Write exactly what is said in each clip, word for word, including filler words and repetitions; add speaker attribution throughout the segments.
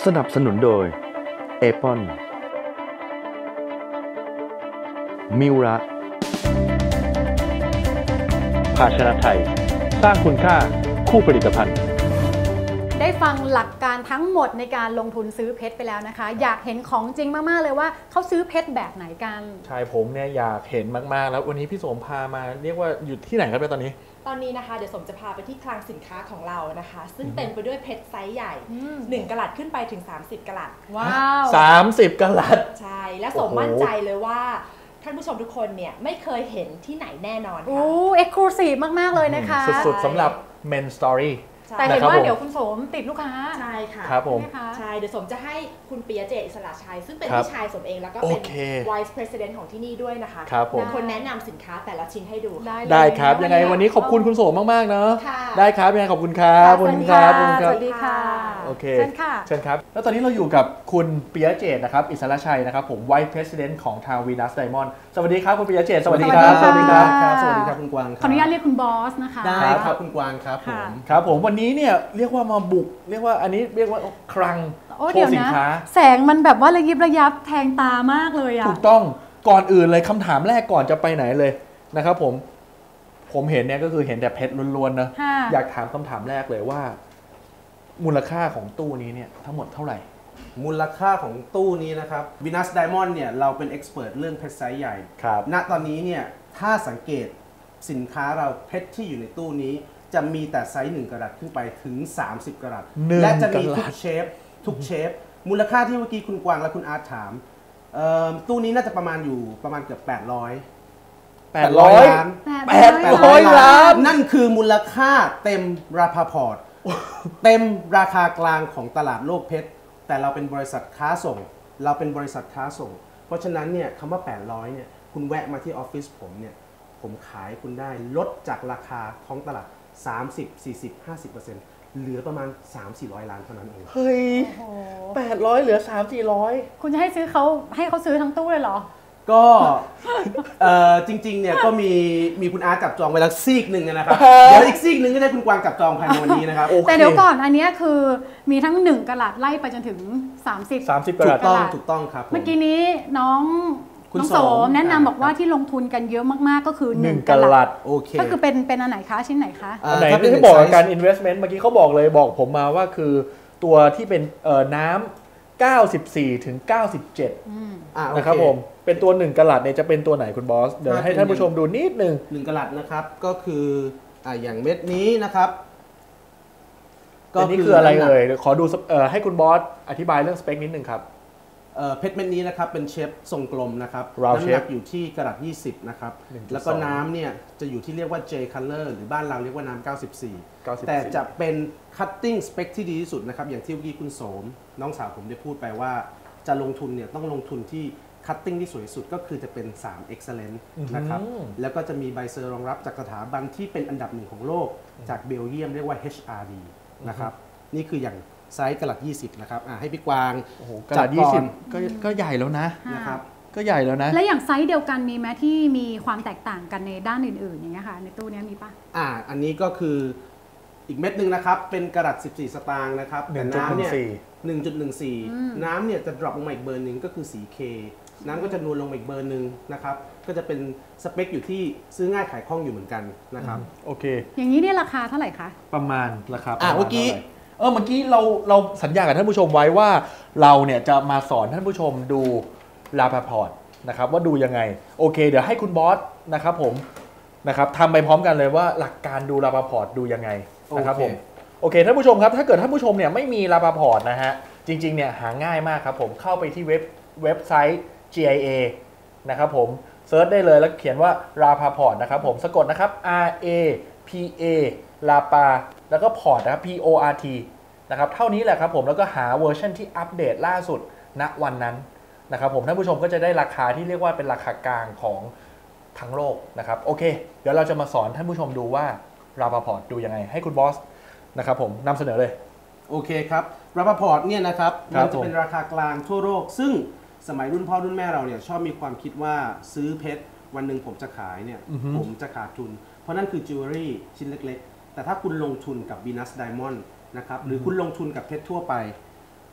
Speaker 1: สนับสนุนโดยเอปอนมิวระภาชนะไทยสร้างคุณค่าคู่ผลิตภัณฑ์
Speaker 2: ได้ฟังหลักการทั้งหมดในการลงทุนซื้อเพชรไปแล้วนะคะอยากเห็นของจริงมากๆเลยว่าเขาซื้อเพชรแบบไหนกัน
Speaker 3: ใช่ผมเนี่ยอยากเห็นมากๆแล้ววันนี้พี่สมพามาเรียกว่าอยู่ที่ไหนครับตอนนี้
Speaker 4: ตอนนี้นะคะเดี๋ยวสมจะพาไปที่คลังสินค้าของเรานะคะซึ่งเต็มไปด้วยเพชรไซส์ใหญ่หนึ่งกะรัตขึ้นไปถึงสามสิบกะรัต
Speaker 2: ว้าว
Speaker 3: สามสิบกะรัต
Speaker 4: ใช่และสมมั่นใจเลยว่าท่านผู้ชมทุกคนเนี่ยไม่เคยเห็นที่ไหนแน่นอนค่ะ
Speaker 2: โอ้เอ็กซ์คลูซีฟมากๆเลยนะคะ
Speaker 3: สุดๆสำหรับ Men Story
Speaker 2: แต่เห็นว่าเดี๋ยวคุณสมติดลูกค้า
Speaker 4: ใช่ค่ะ
Speaker 3: ครับผม
Speaker 4: ใช่เดี๋ยวสมจะให้คุณปิยะเจตอิสระชัยซึ่งเป็นพี่ชายสมเองแล้วก็เป็น Vice President ของที่นี่ด้วยนะคะเป็นคนแนะนำสินค้าแต่ละชิ้นให้ดู
Speaker 3: ได้ครับยังไงวันนี้ขอบคุณคุณสมมากๆเนาะได้ครับยังไงขอบคุณครับขอบคุณครับ
Speaker 2: สวัสดีค่ะ
Speaker 3: โอเค
Speaker 2: เชิญค่ะ
Speaker 3: เชิญครับแล้วตอนนี้เราอยู่กับคุณปิยะเจตนะครับอิสระชัยนะครับผม Vice President ของทาง Venus Diamond สวัสดีครับคุณปิยะเจตสวัสดีครับ
Speaker 2: สวัสดีครับ
Speaker 5: สวัสดีครับคุณกวาง
Speaker 2: ขออนุญาตเรียกคุณบอสนะคะ
Speaker 5: ได้ครับคุณกวางครับผม
Speaker 3: ครับผมวันนี้เนี่ยเรียกว่ามาบุกเรียกว่าอันนี้เรียกว่าคลังโชว์สินค้า
Speaker 2: แสงมันแบบว่าระยิบระยับแทงตามากเลยอะ
Speaker 3: ถูกต้องก่อนอื่นเลยคำถามแรกก่อนจะไปไหนเลยนะครับผมผมเห็นเนี่ยก็คือเห็นแต่เพชรล้วนๆนะอยากถามคำถามแรกเลยว่ามูลค่าของตู้นี้เนี่ยทั้งหมดเท่าไหร่
Speaker 5: มูลค่าของตู้นี้นะครับ Venus Diamond เนี่ยเราเป็นเอ็กซ์เพรสเรื่องเพชรไซส์ใหญ่
Speaker 3: ครับ
Speaker 5: ณตอนนี้เนี่ยถ้าสังเกตสินค้าเราเพชรที่อยู่ในตู้นี้จะมีแต่ไซส์หนึ่งกะรัตขึ้นไปถึงสามสิบกะรัตและจะมีทุกเชฟทุกเชฟมูลค่าที่เมื่อกี้คุณกวางและคุณอาร์ตถามตู้นี้น่าจะประมาณอยู่ประมาณเกือบแปดร้อย
Speaker 3: แปดร้อยล้านแปดร้อยล้าน
Speaker 5: นั่นคือมูลค่าเต็มราคาพอร์ตเต็มราคากลางของตลาดโลกเพชรแต่เราเป็นบริษัทค้าส่งเราเป็นบริษัทค้าส่งเพราะฉะนั้นเนี่ยคำว่าแปดร้อยเนี่ยคุณแวะมาที่ออฟฟิศผมเนี่ยผมขายคุณได้ลดจากราคาท้องตลาดสามสิบ สี่สิบ ห้าสิบเปอร์เซ็นต์ เหลือประมาณ สามถึงสี่ร้อย ล้านเท่านั้นเอง
Speaker 3: เฮ้ยแปดร้อยเหลือ สามถึงสี่ร้อย
Speaker 2: คุณจะให้ซื้อเขาให้เขาซื้อทั้งตู้เลยเหรอ
Speaker 5: ก็จริงๆเนี่ยก็มีมีคุณอาร์ตจับจองไว้แล้วซีกหนึ่งนะครับเดี๋ยวอีกซีกหนึ่งก็ได้คุณกวางจับจองภายในวันนี้นะครับ
Speaker 2: แต่เดี๋ยวก่อนอันนี้คือมีทั้งหนึ่งกะรัตไล่ไปจนถึงสามสิบ
Speaker 3: สามสิบกะรัต
Speaker 5: ถูกต้องถูกต้องครับ
Speaker 2: เมื่อกี้นี้น้องน้องโสมแนะนำบอกว่าที่ลงทุนกันเยอะมากๆก็คือหนึ่งกะรัต
Speaker 3: โอเค
Speaker 2: ก็คือเป็นเป็นอันไหนคะชิ้นไหนคะ
Speaker 3: อันไหนที่บอกการ investment เมื่อกี้เขาบอกเลยบอกผมมาว่าคือตัวที่เป็นน้ำเก้าสิบสี่ถึงเก้าสิบเจ็ดนะครับผมเป็นตัวหนึ่งกะรัตเนี่ยจะเป็นตัวไหนคุณบอสเดี๋ยวให้ท่านผู้ชมดูนิดนึง
Speaker 5: หนึ่งกะรัตนะครับก็คืออ่าอย่างเม็ดนี้นะครับ
Speaker 3: ก็นี่คืออะไรเอ่ยขอดูให้คุณบอสอธิบายเรื่องสเปคนิดนึงครับ
Speaker 5: เพชรเม็ดนี้นะครับเป็นเชฟทรงกลมนะครับน้ำหนักอยู่ที่กะรัตยี่สิบนะครับแล้วก็น้ำเนี่ยจะอยู่ที่เรียกว่า J color หรือบ้านเราเรียกว่าน้ำเก้าสิบสี่แต่จะเป็น cutting spec ที่ดีที่สุดนะครับอย่างที่เมื่อกี้คุณโสมน้องสาวผมได้พูดไปว่าจะลงทุนเนี่ยต้องลงทุนที่ cutting ที่สวยสุดก็คือจะเป็นสาม excellent นะครับแล้วก็จะมีใบเซอร์รองรับจากสถาบันที่เป็นอันดับหนึ่งของโลกจากเบลเยียมเรียกว่า เอช อาร์ ดี นะครับนี่คืออย่างไซส์กะรัตยี่สิบนะครับให้พี่กวาง
Speaker 3: โอ้โหกะรัตยี่สิบก็ก็ใหญ่แล้วนะ
Speaker 5: นะครับ
Speaker 3: ก็ใหญ่แล้วนะ
Speaker 2: และอย่างไซส์เดียวกันมีไหมที่มีความแตกต่างกันในด้านอื่นๆอย่างเงี้ยค่ะในตู้นี้มีป่ะ
Speaker 5: อ่าอันนี้ก็คืออีกเม็ดหนึ่งนะครับเป็นกะรัตสิบสี่สตางค์นะครับแต่น้ำเนี่ย หนึ่งจุดหนึ่งสี่ น้ำเนี่ยจะดรอปลงมาอีกเบอร์หนึ่งก็คือสี K น้ำก็จะนวลลงมาอีกเบอร์หนึ่งนะครับก็จะเป็นสเปคอยู่ที่ซื้อง่ายขายคล่องอยู่เหมือนกันนะครับ
Speaker 3: โอเค
Speaker 2: อย่างนี้เนี่ยราคาเท่าไหร่คะ
Speaker 3: ประมาณราคา
Speaker 5: อ่าเมื่อกี้
Speaker 3: เออเมื่อกี้เราเราสัญญากับท่านผู้ชมไว้ว่าเราเนี่ยจะมาสอนท่านผู้ชมดูลาพาพอร์ตนะครับว่าดูยังไงโอเคเดี๋ยวให้คุณบอสนะครับผมนะครับทำไปพร้อมกันเลยว่าหลักการดูลาพาพอร์ตดูยังไงนะครับผมโอเคท่านผู้ชมครับถ้าเกิดท่านผู้ชมเนี่ยไม่มีลาพาพอร์ตนะฮะจริงๆเนี่ยหาง่ายมากครับผมเข้าไปที่เว็บเว็บไซต์ จี ไอ เอ นะครับผมเซิร์ชได้เลยแล้วเขียนว่าลาพาพอร์ตนะครับผมสะกดนะครับ R A P A ลาปาแล้วก็พอร์ตนะครับ P O R T นะครับเท่านี้แหละครับผมแล้วก็หาเวอร์ชันที่อัปเดตล่าสุดณวันนั้นนะครับผมท่านผู้ชมก็จะได้ราคาที่เรียกว่าเป็นราคากลางของทั้งโลกนะครับโอเคเดี๋ยวเราจะมาสอนท่านผู้ชมดูว่าลาพาพอร์ตดูยังไงให้คุณบอสนะครับผมนำเสนอเลย
Speaker 5: โอเคครับลาพาพอร์ตเนี่ยนะครับมันจะเป็นราคากลางทั่วโลกซึ่งสมัยรุ่นพ่อรุ่นแม่เราเนี่ยชอบมีความคิดว่าซื้อเพชรวันหนึ่งผมจะขายเนี่ยผมจะขาดทุนเพราะนั่นคือจิวเวลรี่ชิ้นเล็กๆแต่ถ้าคุณลงทุนกับ Venus Diamond นะครับหรือคุณลงทุนกับเพชรทั่วไป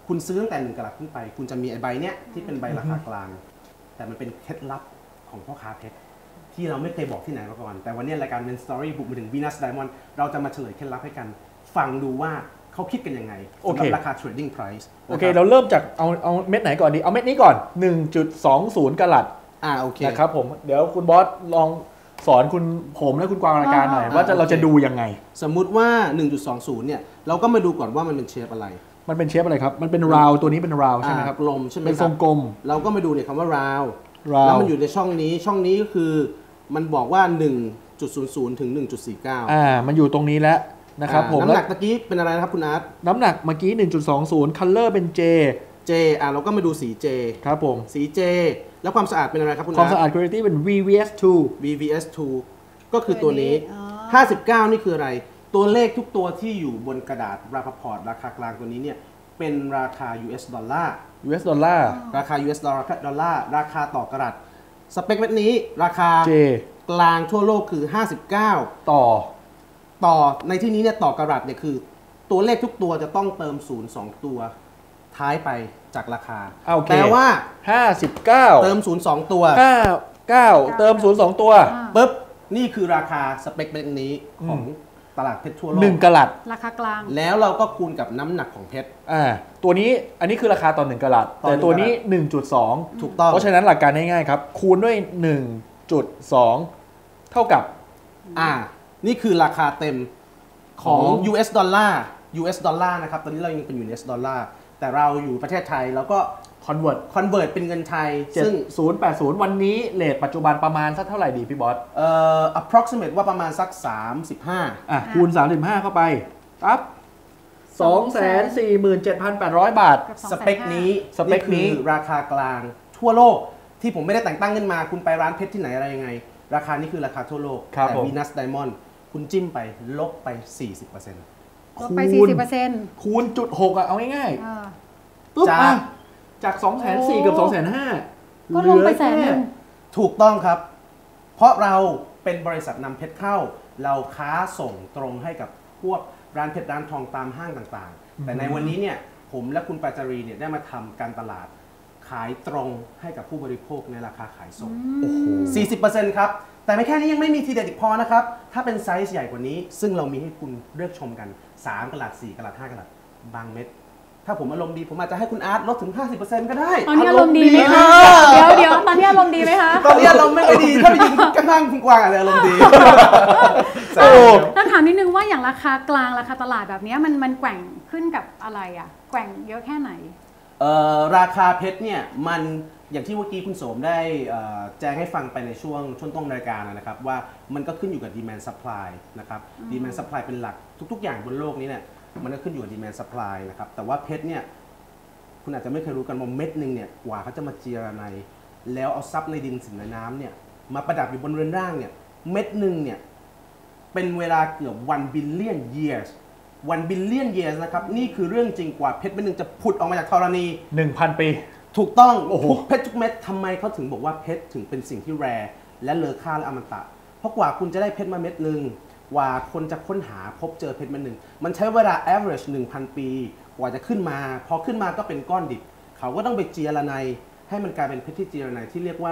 Speaker 5: คุณซื้อตั้งแต่หนึ่งกะรัตขึ้นไปคุณจะมีไอ้ใบเนี้ยที่เป็นใบราคากลางแต่มันเป็นเคล็ดลับของพ่อค้าเพชรที่เราไม่เคยบอกที่ไหนมาก่อนแต่วันนี้รายการเป็นสตอรี่บุกมาถึง Venus Diamond เราจะมาเฉลยเคล็ดลับให้กันฟังดูว่าเขาคิดกันยังไงสำหรับราคา trading price
Speaker 3: โอเคเราเริ่มจากเอาเอาเม็ดไหนก่อนดีเอาเม็ดนี้ก่อน หนึ่งจุดสองศูนย์ กะรัต
Speaker 5: อ่าโอเค
Speaker 3: นะครับผมเดี๋ยวคุณบอสลองสอนคุณผมและคุณกวางรายการหน่อยว่าจะเราจะดูยังไง
Speaker 5: สมมุติว่า หนึ่งจุดสองศูนย์ เนี่ยเราก็มาดูก่อนว่ามันเป็นเชฟอะไร
Speaker 3: มันเป็นเชฟอะไรครับมันเป็นราวตัวนี้เป็นราวใช่ไหมครับ
Speaker 5: กลมใช่ไหม
Speaker 3: เป็นทรงกลม
Speaker 5: เราก็มาดูเนี่ยคำว่าราวแล้วมันอยู่ในช่องนี้ช่องนี้ก็คือมันบอกว่า หนึ่งจุดศูนย์ศูนย์ ถึง หนึ่งจุดสี่เก้า
Speaker 3: อ่ามันอยู่ตรงนี้แล้วนะครับผม
Speaker 5: น้ำหนักตะกี้เป็นอะไรนะครับคุณอาร์ต
Speaker 3: น้ำหนักเมื่อกี้ หนึ่งจุดสองศูนย์ color เป็น J
Speaker 5: J อ่าเราก็มาดูสี J
Speaker 3: ครับผม
Speaker 5: สี J แล้วความสะอาดเป็นอะไรครับคุณอาร์ต
Speaker 3: ความสะอาด quality เป็น วี วี เอส ทู
Speaker 5: วี วี เอส ทู ก็คือตัวนี้ห้าสิบเก้านี่คืออะไรตัวเลขทุกตัวที่อยู่บนกระดาษราคาพอร์ตราคากลางตัวนี้เนี่ยเป็นราคา ยู เอส ดอลลาร์
Speaker 3: ยู เอส ดอลลาร์
Speaker 5: ราคา ยู เอส ดอลลาร์ราคาต่อกระดาษสเปคเม็ดนี้ราคา
Speaker 3: J
Speaker 5: กลางทั่วโลกคือห้าสิบเก้า
Speaker 3: ต่อ
Speaker 5: ต่อในที่นี้เนี่ยต่อกระดาษเนี่ยคือตัวเลขทุกตัวจะต้องเติมศูนย์สองตัวท้ายไปจากราคาแปลว่า
Speaker 3: ห้าสิบเก้า
Speaker 5: เติมศูนย์สองตัว
Speaker 3: ห้าสิบเก้าเติมศูนย์สองตัว
Speaker 5: ปึ๊บนี่คือราคาสเปคเม็ดนี้ของตลาดเพชรทั่วโลก
Speaker 3: หนึ่งกะรัต
Speaker 2: ราคากลาง
Speaker 5: แล้วเราก็คูณกับน้ำหนักของเพชร
Speaker 3: อ่าตัวนี้อันนี้คือราคาต่อหนึ่งกะรัตแต่ตัวนี้ หนึ่งจุดสอง
Speaker 5: ถูกต้อง
Speaker 3: เพราะฉะนั้นหลักการง่ายๆครับคูณด้วย หนึ่งจุดสอง เท่ากับ
Speaker 5: อ่านี่คือราคาเต็มของ ยู เอส ดอลลาร์ ยู เอส ดอลลาร์นะครับตอนนี้เรายังเป็น ยู เอส ดอลลาร์แต่เราอยู่ประเทศไทยแล้วก็
Speaker 3: convert
Speaker 5: convert เป็นเงินไทย
Speaker 3: ซึ่งศูนย์แปดศูนย์วันนี้เรทปัจจุบันประมาณสักเท่าไหร่ดีพี่บอส
Speaker 5: เอ่อ approximate ว่าประมาณสักสามสิบห้า
Speaker 3: อ่ะคูณสามสิบห้าเข้าไปปั๊บ สองแสนสี่หมื่นเจ็ดพันแปดร้อย บาท
Speaker 5: สเปคนี้
Speaker 3: สเปคนี้
Speaker 5: ราคากลางทั่วโลกที่ผมไม่ได้แต่งตั้งขึ้นมาคุณไปร้านเพชรที่ไหนอะไรยังไงราคานี้คือราคาทั่วโลกแต่ Venus Diamond คุณจิ้มไปลบไป สี่สิบเปอร์เซ็นต์
Speaker 2: ลบไป สี่สิบเปอร์เซ็นต์
Speaker 3: คูณจุดหกอ่ะเอาง่ายๆปุ๊บอ่ะจาก สองแสนสี่หมื่น กับ สองแสนห้าหมื่น
Speaker 2: ก็ลงไปแสนนึง
Speaker 5: ถูกต้องครับเพราะเราเป็นบริษัทนำเพชรเข้าเราค้าส่งตรงให้กับพวกร้านเพชรร้านทองตามห้างต่างๆแต่ในวันนี้เนี่ยผมและคุณปาจารีเนี่ยได้มาทำการตลาดขายตรงให้กับผู้บริโภคในราคาขายส่งโอ้โห สี่สิบเปอร์เซ็นต์ ครับแต่ไม่แค่นี้ยังไม่มีทีเด็ดอีกพอนะครับถ้าเป็นไซส์ใหญ่กว่านี้ซึ่งเรามีให้คุณเลือกชมกันสามกะรัตสี่กะรัตห้ากะรัตบางเม็ดถ้าผมอารมณ์ดีผมอาจจะให้คุณอาร์ตลดถึง ห้าสิบเปอร์เซ็นต์ ก็ได้
Speaker 2: ตอนนี้อารมณ์ดีไหมคะเดี๋ยวเดี๋ยวตอนนี้อารมณ์ดีไหมคะ
Speaker 5: ตอนนี้อารมณ์ไม่ดีถ้าไปยืนข้างๆคุณกวางอาจจะอารมณ์ดี
Speaker 2: ต้องถามนิดนึงว่าอย่างราคากลางราคาตลาดแบบนี้มันมันแกว่งขึ้นกับอะไรอ่ะแกว่งเยอะแค่ไหน
Speaker 5: เอ่อราคาเพชรเนี่ยมันอย่างที่เมื่อกี้คุณโสมได้แจ้งให้ฟังไปในช่วงช่วงต้นรายการนะครับว่ามันก็ขึ้นอยู่กับ demand supply นะครับ demand supply เป็นหลักทุกๆอย่างบนโลกนี้เนี่ยมันก็ขึ้นอยู่กับ demand supply นะครับแต่ว่าเพชรเนี่ยคุณอาจจะไม่เคยรู้กันว่าเม็ดหนึ่งเนี่ยกว่าเขาจะมาเจียระไนแล้วเอาซับในดินสินในน้ำเนี่ยมาประดับอยู่บนเรือนร่างเนี่ยเม็ดหนึ่งเนี่ยเป็นเวลาเกือบ one billion years one billion years นะครับนี่คือเรื่องจริงกว่าเพชรเม็ดหนึ่งจะผุดออกมาจากธรณี
Speaker 3: หนึ่งพัน ปี
Speaker 5: ถูกต้องทุกเพชรทุกเม็ดทำไมเขาถึงบอกว่าเพชรถึงเป็นสิ่งที่แรร์และเลอค่าและอมตะเพราะกว่าคุณจะได้เพชรมาเม็ดหนึ่งกว่าคนจะค้นหาพบเจอเพชรเม็ดหนึ่งมันใช้เวลา average หนึ่งพัน ปีกว่าจะขึ้นมาพอขึ้นมาก็เป็นก้อนดิบเขาก็ต้องไปเจียระไนให้มันกลายเป็นเพชรที่เจียระไนที่เรียกว่า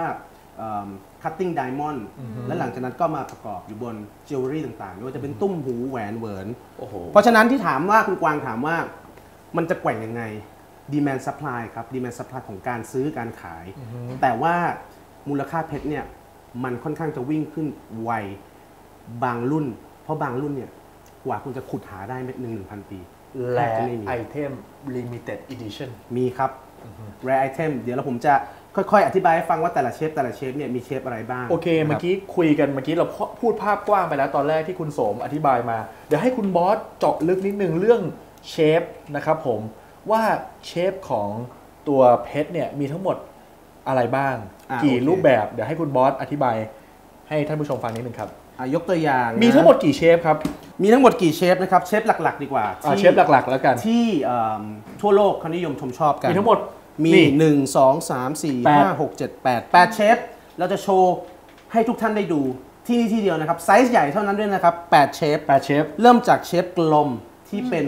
Speaker 5: cutting diamond และหลังจากนั้นก็มาประกอบอยู่บน jewelry ต่างๆไม่ว่าจะเป็นตุ้มหูแหวนเหวินเพราะฉะนั้นที่ถามว่าคุณกวางถามว่ามันจะแกว่งยังไงdemand supply ครับ demand supply ของการซื้อการขาย uh-huh. แต่ว่ามูลค่าเพชรเนี่ยมันค่อนข้างจะวิ่งขึ้นไวบางรุ่นเพราะบางรุ่นเนี่ยกว่าคุณจะขุดหาได้เม็ดหนึ่งหนึ่งพันปี
Speaker 3: และไอเทม limited edition
Speaker 5: มีครับ uh-huh. rare item เดี๋ยวเราผมจะค่อยๆอธิบายให้ฟังว่าแต่ละเชฟแต่ละเชฟเนี่ยมีเชฟอะไรบ้าง
Speaker 3: โอเคเมื่อกี้คุยกันเมื่อกี้เราพูดภาพกว้างไปแล้วตอนแรกที่คุณโสมอธิบายมาเดี๋ยวให้คุณบอสเจาะลึกนิดนึงเรื่องเชฟนะครับผมว่าเชฟของตัวเพชรเนี่ยมีทั้งหมดอะไรบ้างกี่รูปแบบเดี๋ยวให้คุณบอสอธิบายให้ท่านผู้ชมฟังนิดนึงครับ
Speaker 5: ยกตัวอย่าง
Speaker 3: มีทั้งหมดกี่เชฟครับ
Speaker 5: มีทั้งหมดกี่เชฟนะครับเชฟหลักๆดีกว่า
Speaker 3: เชฟหลักๆแล้วกัน
Speaker 5: ที่ทั่วโลกเขานิยมชมชอบกัน
Speaker 3: มีทั้งหมด
Speaker 5: มีหนึ่ง สอง สาม สี่ ห้า หก เจ็ด แปด แปดเชฟเราจะโชว์ให้ทุกท่านได้ดูที่นี่ที่เดียวนะครับไซส์ใหญ่เท่านั้นด้วยนะครับแปดเชฟ
Speaker 3: แปดเชฟ
Speaker 5: เริ่มจากเชฟกลมที่เป็น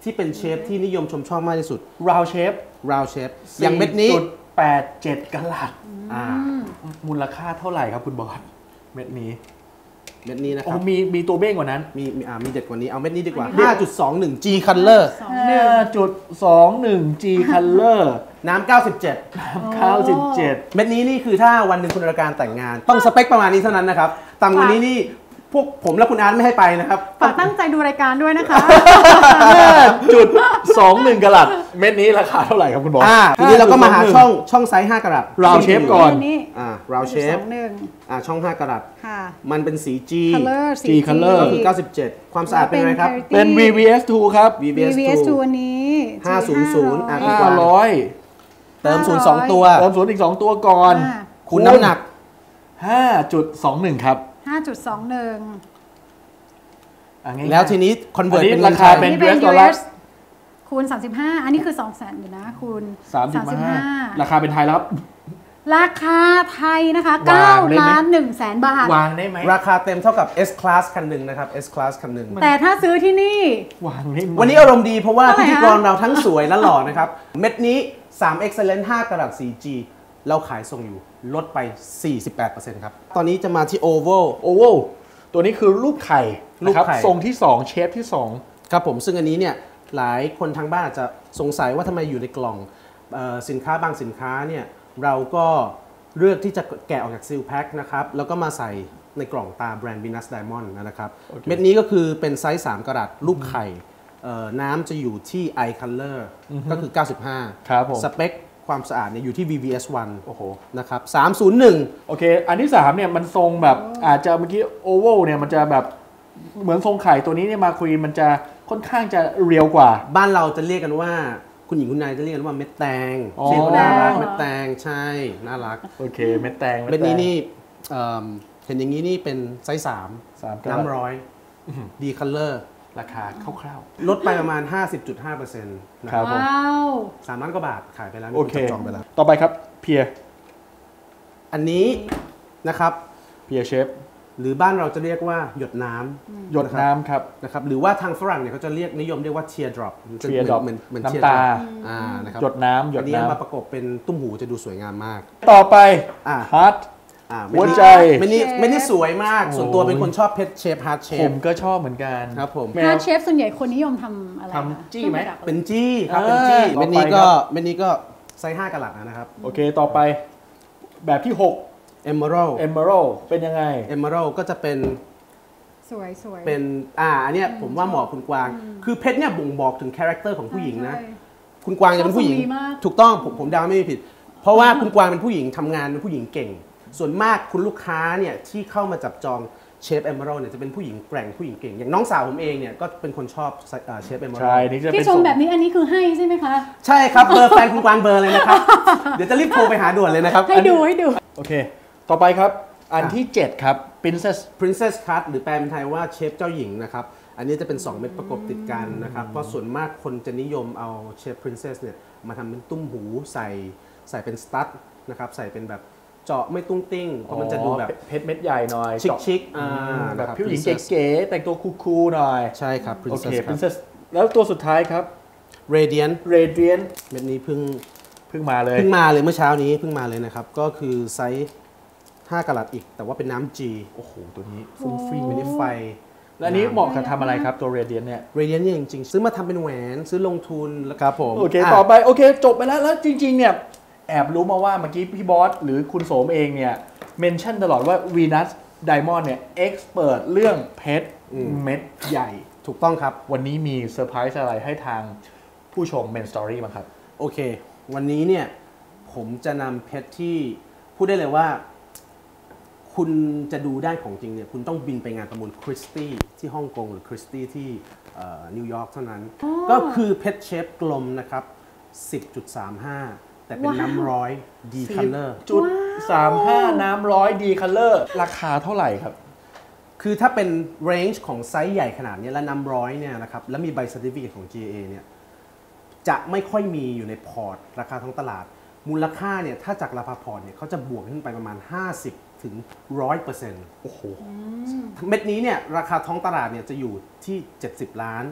Speaker 5: ที่เป็นเชฟที่นิยมชมชอบมากที่สุด
Speaker 3: round shape
Speaker 5: round shape อย่างเม็ดนี้
Speaker 3: แปดเจ็ดกะลัด
Speaker 5: อ่า
Speaker 3: มูลค่าเท่าไหร่ครับคุณบอสเม็ดนี้
Speaker 5: เม็ดนี้นะค
Speaker 3: โอ้
Speaker 5: รับ
Speaker 3: มีมีตัวเบ้งกว่านั้น
Speaker 5: มีมีอ่ามีเด็ดกว่านี้เอาเม็ดนี้ดีกว่า ห้าจุดสองหนึ่ง G Color
Speaker 3: ห้าจุดสองหนึ่ง G Color
Speaker 5: น้ำเก้าสิบเจ็ด
Speaker 3: เก้าสิบเจ็ด
Speaker 5: เม็ดนี้นี่คือถ้าวันหนึ่งคุณอรการแต่งงาน ต้องสเปคประมาณนี้เท่านั้นนะครับต่ำกว่านี้นี่พวกผมและคุณอาร์ตไม่ให้ไปนะครับ
Speaker 2: ฝากตั้งใจดูรายการด้วยนะคะ
Speaker 3: ห้าจุดสองหนึ่งกะลัดเม็ดนี้ราคาเท่าไหร่ครับคุณบอส
Speaker 5: อ่าทีนี้เราก็มาหาช่องช่องไซส์ห้ากะรัต
Speaker 3: round shape ก่อน
Speaker 2: นี่
Speaker 5: อ่า round
Speaker 2: ส
Speaker 5: shape
Speaker 2: องหนึ่ง
Speaker 5: อ่าช่องห้ากะรัต
Speaker 2: ค่ะ
Speaker 5: มันเป็นสี G
Speaker 2: color สี
Speaker 3: G color
Speaker 5: ก็คือเก้าสิบเจ็ดความสะอาดเป็นอะไรครับ
Speaker 3: เป็น วี วี เอส ทูครับ
Speaker 5: วี วี เอส
Speaker 2: วี วี เอส ทู
Speaker 5: ทู
Speaker 2: อันนี้
Speaker 5: ห้าศูนย์ศูนย์
Speaker 2: G
Speaker 5: อ่ะ
Speaker 2: ห้า
Speaker 3: ห้าร้อย
Speaker 5: เติมศูนย์สองตัว
Speaker 3: เติมศูนย์อีกสองตัวก่อน
Speaker 2: อ่า
Speaker 5: คูณน้ำหนัก
Speaker 3: ห้าจุดสองหนึ่งครับ
Speaker 2: ห้าจุดสองหนึ่ง
Speaker 3: อ่ะง่ายๆ
Speaker 5: แล้วทีนี้คอนเวิร์ต
Speaker 3: อันนี้
Speaker 5: เป็นเงิน
Speaker 3: ราคา
Speaker 5: ไทย
Speaker 3: เป็น
Speaker 2: นี่เป็น
Speaker 3: ยู เอส
Speaker 2: ยู
Speaker 3: ดอลลาร์
Speaker 2: เอสคูณสามสิบห้าอันนี้คือสองแสนอยู่นะคูณ
Speaker 3: สามสิบห้าราคาเป็นไทยแล้วครับ
Speaker 2: ราคาไทยนะคะ
Speaker 3: วา
Speaker 2: เก้าง
Speaker 3: ได้ไหม
Speaker 2: ล้านหนึ่งแสนบาท
Speaker 3: วางได้ไหม
Speaker 5: ราคาเต็มเท่ากับ S Class คันหนึ่งนะครับ S Class คันหนึ่ง
Speaker 2: แต่ถ้าซื้อที่นี่
Speaker 3: วางได้ไหม
Speaker 5: วันนี้อารมณ์ดีเพราะว่า
Speaker 2: เท่าไหร่
Speaker 5: พิธี
Speaker 2: ฮะ
Speaker 5: กรเราทั้งสวยและหล่อนะครับ เม็ดนี้ สาม Excellent ห้ากะรัต สี่ จี เราขายส่งอยู่ลดไป สี่สิบแปดเปอร์เซ็นต์ ครับ ตอนนี้จะมาที่ Oval
Speaker 3: โอเวลตัวนี้คือรูปไข่
Speaker 5: รูป
Speaker 3: นะครับ
Speaker 5: ไข่
Speaker 3: ทรงที่สองเชฟที่สอง
Speaker 5: ครับผมซึ่งอันนี้เนี่ยหลายคนทางบ้านอาจจะสงสัยว่าทำไมอยู่ในกล่องเออสินค้าบางสินค้าเนี่ยเราก็เลือกที่จะแกะออกจากซีลแพ็คนะครับแล้วก็มาใส่ในกล่องตาแบรนด์ Venus Diamond นะครับ เม็ดนี้ก็คือเป็นไซส์สามกะรัตลูกไข่เอ่อน้ำจะอยู่ที่ Eye Color ก็คือ เก้าสิบห้า
Speaker 3: ครับผม
Speaker 5: สเปคความสะอาดเนี่ยอยู่ที่ วี วี เอส วัน
Speaker 3: โอ้โห
Speaker 5: นะครับสามศูนย์หนึ่ง
Speaker 3: โอเค อันที่สามเนี่ยมันทรงแบบอาจจะเมื่อกี้โอเวลเนี่ยมันจะแบบเหมือนทรงไข่ตัวนี้เนี่ยมาคุยมันจะค่อนข้างจะเรียวกว่า
Speaker 5: บ้านเราจะเรียกกันว่าคุณหญิงคุณนายจะเรียกกันว่าเม็ดแตง
Speaker 3: อ๋อ
Speaker 5: เรียกว่าน่ารักเม็ดแตงใช่น่ารัก
Speaker 3: โอเคเม็ดแตง
Speaker 5: เม็ดนี้นี่เอิ่มเห็นอย่างนี้นี่เป็นไซส์สาม
Speaker 3: สามกะรัต
Speaker 5: น้ำร้อยดีคัลเลอร์
Speaker 3: ราคาคร่าว
Speaker 5: ลดไปประมาณ ห้าสิบจุดห้าเปอร์เซ็นต์ นะ
Speaker 3: ค
Speaker 5: ค
Speaker 3: รั
Speaker 5: รั
Speaker 3: บบ ผม
Speaker 2: ว้าว
Speaker 5: สามล้านกว่าบาทขายไปแล้ว
Speaker 3: โอเค
Speaker 5: มีนจองไปแล้ว
Speaker 3: ต่อไปครับเพีย
Speaker 5: อันนี้นะครับ
Speaker 3: เพียเชฟ
Speaker 5: หรือบ้านเราจะเรียกว่าหยดน้ำ
Speaker 3: หยดน้ำครับ
Speaker 5: นะครับหรือว่าทางฝรั่งเนี่ยเขาจะเรียกนิยมเรียกว่า tear drop
Speaker 3: tear drop
Speaker 5: เหมือนเหมือน
Speaker 3: น้ำ
Speaker 5: tear
Speaker 3: ตา
Speaker 5: drop อ่านะครับ
Speaker 3: หยดน้ำหย
Speaker 5: อั
Speaker 3: ด
Speaker 5: นนี้
Speaker 3: น้
Speaker 5: มาประกบเป็นตุ้มหูจะดูสวยงามมาก
Speaker 3: ำต่อไป
Speaker 5: อ่า
Speaker 3: ฮาร์ด
Speaker 5: อ่า
Speaker 3: หัวใจ
Speaker 5: ไม่นี่ไม่นี่สวยมาก
Speaker 3: โอ้ย
Speaker 5: ส่วนตัวเป็นคนชอบเพชรเชฟฮาร์ดเช
Speaker 3: ผ
Speaker 5: ฟ
Speaker 3: มก็ชอบเหมือนกัน
Speaker 5: ครับผม
Speaker 3: แม
Speaker 2: ฮาว ร์ดเชฟส่วนใหญ่คนนิยมทำอะไร
Speaker 3: ทำจี้ไหม
Speaker 2: ครื่องประดับ
Speaker 5: เป็นจี้ครับ
Speaker 3: เออ
Speaker 5: เป็นจี้
Speaker 3: ต่อไป
Speaker 5: เม็ดนี้ก็
Speaker 3: ครับ
Speaker 5: เม็ดนี้ก็ไซส์ห้ากะรัตนะครับ
Speaker 3: โอเคต่อไป แบบที่หก
Speaker 5: Emerald
Speaker 3: Emerald เป็นยังไง
Speaker 5: Emerald ก็จะเป็น
Speaker 2: สวยสวย
Speaker 5: เป็นอ่าอันเนี้ยผมว่าเหมาะคุณกวาง คือเพชรเนี่ยบ่งบอกถึงคาแรคเตอร์ของผู้หญิงนะ
Speaker 2: ใช่
Speaker 5: คุณกวางจะเป็นผู้หญิง
Speaker 2: ชอบทรงนี้มาก
Speaker 5: ถูกต้องผมผมเดาไม่ผิด เพราะว่าคุณกวางเป็นผู้หญิงทำงานเป็นผู้หญิงเก่ง ส่วนมากคุณลูกค้าเนี่ยที่เข้ามาจับจองเชฟ Emerald เนี่ยจะเป็นผู้หญิงแกร่งผู้หญิงเก่ง อย่างน้องสาวผมเองเนี่ยก็เป็นคนชอบเชฟ Emerald
Speaker 3: ใช่นี่จะเป็
Speaker 2: ที่
Speaker 3: น
Speaker 2: ชม
Speaker 3: ทรง
Speaker 2: แบบนี้อันนี้คือให้ใช่ไหมคะ
Speaker 5: ใช่ครับเบอร์แฟนคุณกวางเบอร์เลยนะครับ เดี๋ยวจะรีบโทรไปหาด่วนเลยนะครับ
Speaker 2: ให้ดูให้ดู
Speaker 3: โอเค ต่อไปครับ อันที่ เจ็ด ครับ Princess
Speaker 5: Princess Cut หรือแปลเป็นไทยว่าเชฟเจ้าหญิงนะครับ อันนี้จะเป็น สอง เม็ดประกบติดกันนะครับ เพราะส่วนมากคนจะนิยมเอาเชฟ Princess เนี่ยมาทำเป็นตุ้มหูใส่ใส่เป็นสตั๊ดนะครับ ใส่เป็นแบบเจาะไม่ตุ้งติ้ง เพราะมันจะดูแบบ
Speaker 3: เพชรเม็ดใหญ่หน่อย
Speaker 5: ชิค
Speaker 3: เจาะ
Speaker 5: ชิคๆอ่า
Speaker 3: แบบ
Speaker 5: นะครับ
Speaker 3: ผู้หญิง
Speaker 5: Princess
Speaker 3: เก๋ๆแต่งตัวคูลๆหน่อย
Speaker 5: ใช่ครับ
Speaker 3: โอเค
Speaker 5: Princess ครับ
Speaker 3: Princess แล้วตัวสุดท้ายครับ
Speaker 5: Radiant
Speaker 3: Radiant
Speaker 5: เม็ดนี้เพิ่ง
Speaker 3: เพิ่งมาเลย
Speaker 5: เพิ่งมาเลยเมื่อเช้านี้เพิ่งมาเลยนะครับ ก็คือไซส์ห้ากะรัตอีก แต่ว่าเป็นน้ำ G
Speaker 3: โอ้โห ตัวนี้ฟุ้งฟิ้ง
Speaker 5: ไม่ได้ไฟ
Speaker 3: แล้วอันนี้เหมาะกับทำอะไรครับตัว Radiant เนี่ย
Speaker 5: Radiant เนี่ยจริงๆ ซื้อมาทำเป็นแหวนซื้อลงทุนแล้วครับผม
Speaker 3: โอเค
Speaker 5: ะ
Speaker 3: ต่อไป โอเค จบไปแล้ว แล้วจริง ๆ เนี่ย แอบรู้มาว่าเมื่อกี้พี่บอสหรือคุณโสมเองเนี่ยเมนชั่นตลอดว่า Venus Diamond เนี่ยเอ็กซ์เปิดเรื่องเพชรเม็ดใหญ่
Speaker 5: ถูกต้องครับ
Speaker 3: วันนี้มีเซอร์ไพรส์อะไรให้ทางผู้ชม Main Story บ้างครับ
Speaker 5: โอเค วันนี้เนี่ยผมจะนำเพชรที่พูดได้เลยว่า คุณจะดูได้ของจริงเนี่ยคุณต้องบินไปงานประมูลคริสตี้ที่ฮ่องกงหรือคริสตี้ที่เอ่อนิวยอร์กเท่านั้น ก็คือเพชรเชฟกลมนะครับ สิบจุดสามห้า แต่เป็นน้ำร้อยดีคัลเลอร์
Speaker 3: จุดสามห้าน้ำร้อยดีคัลเลอร์ราคาเท่าไหร่ครับ
Speaker 5: คือถ้าเป็นเรนจ์ของไซส์ใหญ่ขนาดนี้และน้ำร้อยเนี่ยนะครับแล้วมีใบ Certificate ของ จี เอ เนี่ยจะไม่ค่อยมีอยู่ในพอร์ตราคาท้องตลาด มูลค่าเนี่ยถ้าจากราคาพอร์ตเนี่ยเขาจะบวกขึ้นไปประมาณ ห้าสิบถึงหนึ่งร้อยเปอร์เซ็นต์
Speaker 3: โอ้โห
Speaker 5: เม็ดนี้เนี่ยราคาท้องตลาดเนี่ยจะอยู่ที่ เจ็ดสิบ ล้าน แ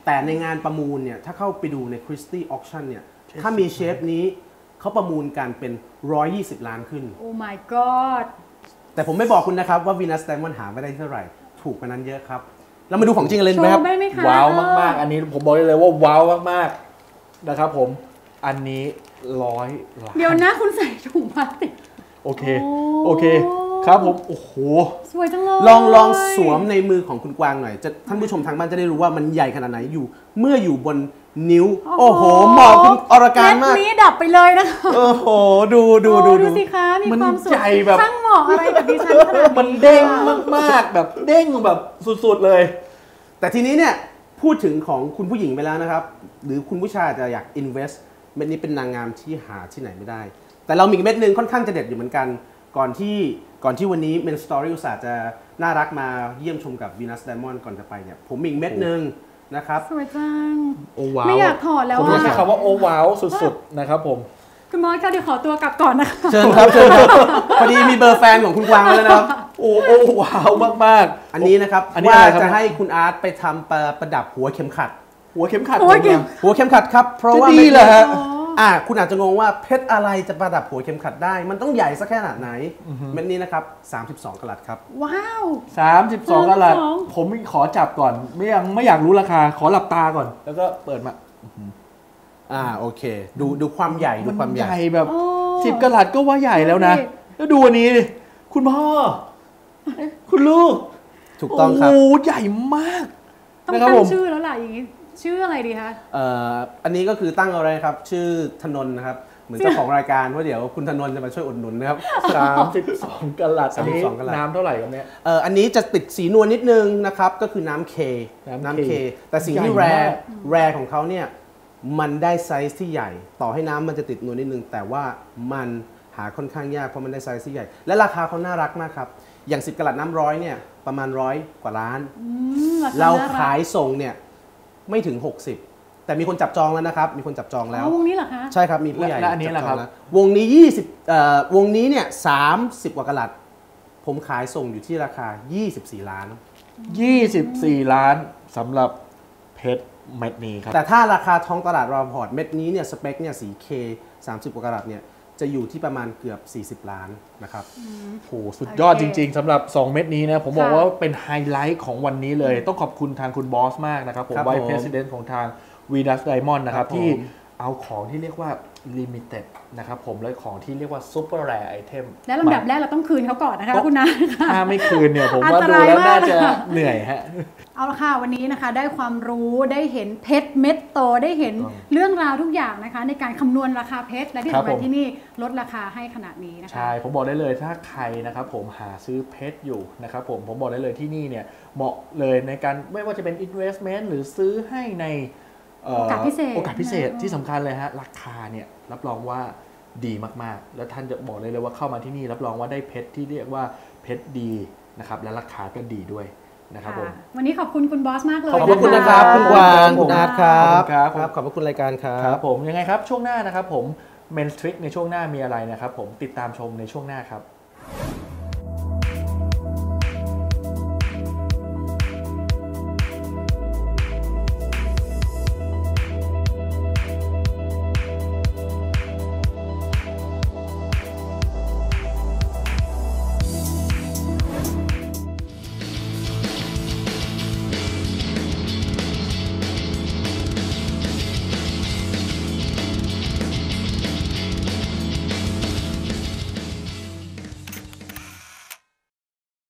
Speaker 5: แต่ในงานประมูลเนี่ยถ้าเข้าไปดูใน Christie Auction เนี่ยถ้ามีเชฟนี้เขาประมูลกันเป็นหนึ่งร้อยยี่สิบล้านขึ้น
Speaker 2: โอ้ my god
Speaker 5: แต่ผมไม่บอกคุณนะครับว่า Venus Diamond หาไม่ได้เท่าไหร่ถูกกว่านั้นเยอะครับเรามาดูของจริงกันเลยไหมครับ
Speaker 2: โชว์ได้ไหมคะ
Speaker 3: ว้าวมากๆ อันนี้ผมบอกได้เลยว่าว้าวมากๆนะครับผมอันนี้ร้อยล้าน
Speaker 2: เดี๋ยวนะคุณใส่ถุงพลาสติก
Speaker 3: โอเคโอเคครับผมโอ้โห
Speaker 2: สวยจังเลย
Speaker 5: ลองลองสวมในมือของคุณกวางหน่อยจะท่านผู้ชมทางบ้านจะได้รู้ว่ามันใหญ่ขนาดไหนอยู่เมื่ออยู่บนนิ้วโอ้โหเหมาะคุณอรการมาก
Speaker 2: นี้ดับไปเลยนะคะ
Speaker 5: โอ้โหดูดูดู
Speaker 2: ดูสิคะมีความสุข
Speaker 3: ใหญ่แบบ
Speaker 2: ช่างเหมาะอะไรกับดิฉันขนาดนี้
Speaker 3: มันเด้งมากๆแบบเด้งแบบสุดๆเลย
Speaker 5: แต่ทีนี้เนี่ยพูดถึงของคุณผู้หญิงไปแล้วนะครับหรือคุณผู้ชายจะอยาก invest เม็ดนี้เป็นนางงามที่หาที่ไหนไม่ได้แต่เรามีเม็ดนึงค่อนข้างจะเด็ดอยู่เหมือนกันก่อนที่ก่อนที่วันนี้ Men Story อุตส่าห์จะน่ารักมาเยี่ยมชมกับ Venus Diamond ก่อนจะไปเนี่ยผมมีอีกเม็ดนึงนะครับ
Speaker 2: สวยจัง
Speaker 3: โอ้ว้าว
Speaker 2: ไม่อยากถอดแล้ว
Speaker 3: ผมใช้คำว่าโอ้ว้าวสุดๆนะครับผม
Speaker 2: คุณมอสค่ะเดี๋ยวขอตัวกลับก่อนนะคะ
Speaker 5: เชิญครับเชิญครับพอดีมีเบอร์แฟนของคุณกวางแล้วนะครับ
Speaker 3: โอ้โอ้ว้าวมาก
Speaker 5: ๆอันนี้นะครับว่าจะให้คุณอาร์ตไปทำประดับหัวเข็มขัด
Speaker 3: หัวเข็มขัด
Speaker 2: หัวเข็ม
Speaker 5: หัวเข็มขัดครับเพราะว่า
Speaker 3: ดีเหรอฮะ
Speaker 5: อ่าคุณอาจจะงงว่าเพชรอะไรจะประดับหัวเข็มขัดได้มันต้องใหญ่สักแค่ไหนเม็ดนี้นะครับสามสิบสองกะรัตครับ
Speaker 2: ว้าว
Speaker 3: สามสิบสองกะรัตผมขอจับก่อนไม่ยังไม่อยากรู้ราคาขอหลับตาก่อนแล้วก็เปิดมา
Speaker 5: อ่าโอเคดูดูความใหญ่ดูความใหญ่
Speaker 3: แบบสิบกะรัตก็ว่าใหญ่แล้วนะแล้วดูอันนี้คุณพ่อคุณลูก
Speaker 5: ถูกต้องครับ
Speaker 3: โอ้ใหญ่มาก
Speaker 2: ต้องตั้งชื่อแล้วล่ะอย่างนี้ชื่ออะไรดีคะ
Speaker 5: เอ่ออันนี้ก็คือตั้งอะไรครับชื่อธนนท์นะครับเหมือนเจ้าของรายการว่าเดี๋ยวคุณธนนท์จะมาช่วยอุดหนุนนะครับ
Speaker 3: สามสิบสองกะรัตอันนี้น้ำเท่าไหร่ครับเนี่ย
Speaker 5: เอ่ออันนี้จะติดสีนวลนิดนึงนะครับก็คือน้ำเคน้ำเคแต่สิ่งที่แรร์แรร์ของเขาเนี่ยมันได้ไซส์ที่ใหญ่ต่อให้น้ำมันจะติดนวลนิดนึงแต่ว่ามันหาค่อนข้างยากเพราะมันได้ไซส์ที่ใหญ่และราคาเขาน่ารักมากครับอย่างสิบกะรัตน้ำร้อยเนี่ยประมาณร้อยกว่าล้านเราขายส่งเนี่ยไม่ถึงหกสิบแต่มีคนจับจองแล้วนะครับมีคนจับจองแล้ว
Speaker 2: วงนี้เหรอคะ
Speaker 5: ใช่ครับมีผู้ใหญ่
Speaker 3: และอันนี้แหละครับ
Speaker 5: วงนี้ยี่สิบเอ่อวงนี้เนี่ยสามสิบกว่ากะรัตผมขายส่งอยู่ที่ราคายี่สิบสี่ล้าน
Speaker 3: ยี่สิบสี่ล้านสำหรับเพชรเม็ดนี้ครับ
Speaker 5: แต่ถ้าราคาท้องตลาดรอพอร์ตเม็ดนี้เนี่ยสเปคเนี่ยสี K สามสิบกว่ากะรัตเนี่ยจะอยู่ที่ประมาณเกือบสี่สิบล้านนะครับ
Speaker 3: โหสุดยอดจริงๆสำหรับสองเม็ดนี้นะผมบอกว่าเป็นไฮไลท์ของวันนี้เลยต้องขอบคุณทางคุณบอสมากนะครับผมไวซ์เพรสิดเนนต์ของทาง Venus Diamond นะครับที่เอาของที่เรียกว่า Limited นะครับผมและของที่เรียกว่า Super Rare Item
Speaker 2: และลำดับแรกเราต้องคืนเขาก่อนนะคะคุณนะ
Speaker 3: ถ้าไม่คืนเนี่ยผมว่าดูแล้วน่าจะเหนื่อยฮะ
Speaker 2: เอาละค่ะวันนี้นะคะได้ความรู้ได้เห็นเพชรเม็ดโตได้เห็นเรื่องราวทุกอย่างนะคะในการคำนวณราคาเพชรและที่สำคัญที่นี่ลดราคาให้ขนาดนี้นะคะ
Speaker 3: ใช่ผมบอกได้เลยถ้าใครนะครับผมหาซื้อเพชรอยู่นะครับผมผมบอกได้เลยที่นี่เนี่ยเหมาะเลยในการไม่ว่าจะเป็น investment หรือซื้อให้ใน
Speaker 2: โอกาสพิเศษ
Speaker 3: โอกาสพิเศษที่สำคัญเลยฮะราคาเนี่ยรับรองว่าดีมากๆแล้วท่านจะบอกเลยเลยว่าเข้ามาที่นี่รับรองว่าได้เพชรที่เรียกว่าเพชรดีนะครับและราคาก็ดีด้วยนะครับผม
Speaker 2: วันนี้ขอบคุณคุณบอสมากเลย
Speaker 5: ขอบคุณนะครับคุณกวางคุณอาร์ตครับครับขอบคุณรายการครับ
Speaker 3: ครับผมยังไงครับช่วงหน้านะครับผม Men's Trick ในช่วงหน้ามีอะไรนะครับผมติดตามชมในช่วงหน้าครับ